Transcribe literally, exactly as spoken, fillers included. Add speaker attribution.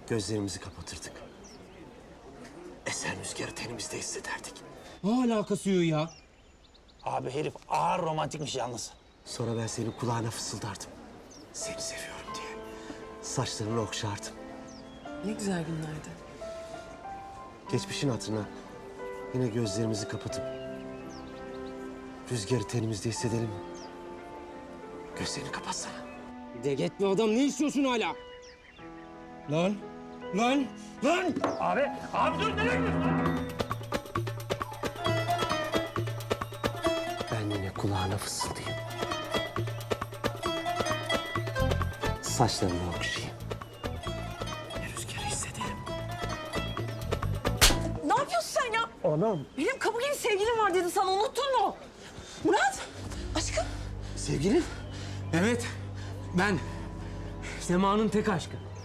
Speaker 1: Gözlerimizi kapatırdık. Esen rüzgarı tenimizde hissederdik.
Speaker 2: Ne alakası yok ya?
Speaker 3: Abi herif ağır romantikmiş yalnız.
Speaker 1: Sonra ben senin kulağına fısıldardım. Seni seviyorum diye. Saçlarını okşardım.
Speaker 4: Ne güzel günlerdi.
Speaker 1: Geçmişin hatırına yine gözlerimizi kapatıp rüzgarı tenimizde hissedelim mi? Gözlerini kapatsana.
Speaker 2: De gitme adam, ne istiyorsun hala? Lan, lan, lan!
Speaker 3: Abi, abi dur nereye gidiyorsun?
Speaker 1: Ben yine kulağına fısıldayayım. Saçlarını okşayayım. Rüzgarı hissedelim.
Speaker 4: Ne yapıyorsun sen ya?
Speaker 1: Anam.
Speaker 4: Benim kabul gibi sevgilim var dedi sana, unuttun mu? Murat, aşkım.
Speaker 1: Sevgilin?
Speaker 2: Evet, ben. Sema'nın tek aşkı.